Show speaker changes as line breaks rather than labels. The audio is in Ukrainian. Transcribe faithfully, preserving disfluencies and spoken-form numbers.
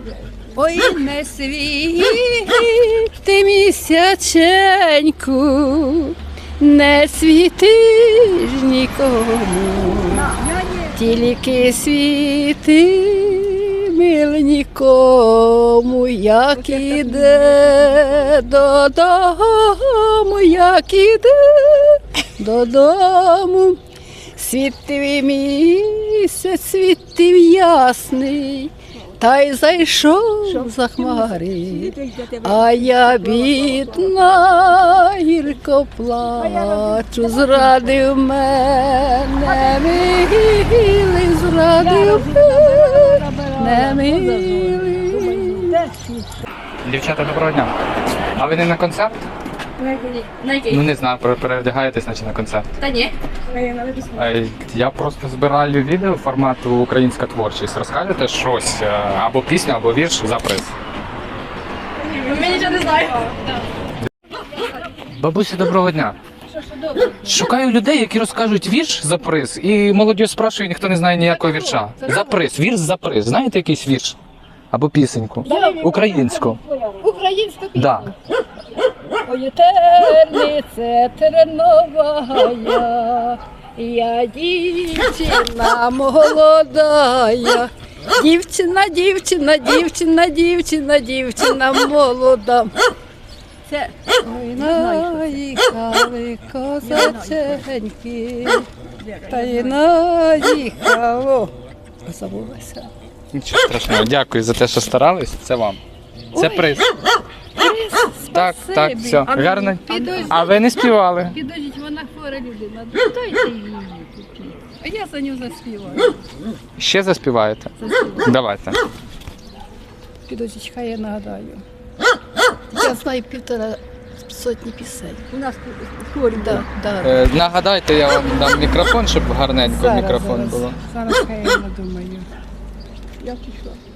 Ой, не світи місяченьку, не світиш нікому, тільки світи мил нікому, як іде додому, як іде додому. Світив місяць, світив ясний, та й зайшов за хмари, а я бідна, гірко плачу, зрадив мене, милий, зрадив мене, милий.
Дівчата, доброго дня. А ви не на концерт?
На який?
Ну не знаю, пере- переодягаєтесь, наче на концерт.
Та ні.
Е, Я просто збираю відео формату українська творчість. Розкажете щось е, або пісню, або вірш за приз.
Ми нічого не знаємо.
Бабусі, доброго дня. Шукаю людей, які розкажуть вірш за приз, і молодь спрашує, ніхто не знає ніякого вірша. За приз, вірш за приз. Знаєте якийсь вірш? Або пісеньку? Українську.
Українська пісня.
Да.
Ой, тернице терновая, я дівчина молодая. Дівчина, дівчина, дівчина, дівчина, дівчина молода. Це ой, наїхали козаченьки, та й наїхало. Забулася.
Нічого страшного. Дякую за те, що старались. Це вам. Це приз. Так, так, все. Гарно.
Підождіть,
А ви не співали?
підождіть, вона хвора людина. Дайте її купіть. А я за нього заспіваю.
Ще заспіваєте? Давайте.
Підождіть, хай я нагадаю. Я знаю півтора сотні пісень. У нас хворі, да, да.
Е, нагадайте, я вам дам мікрофон, щоб гарненько
Зараз,
мікрофон
зараз,
було.
Зараз хай я надумаю. Я пішла.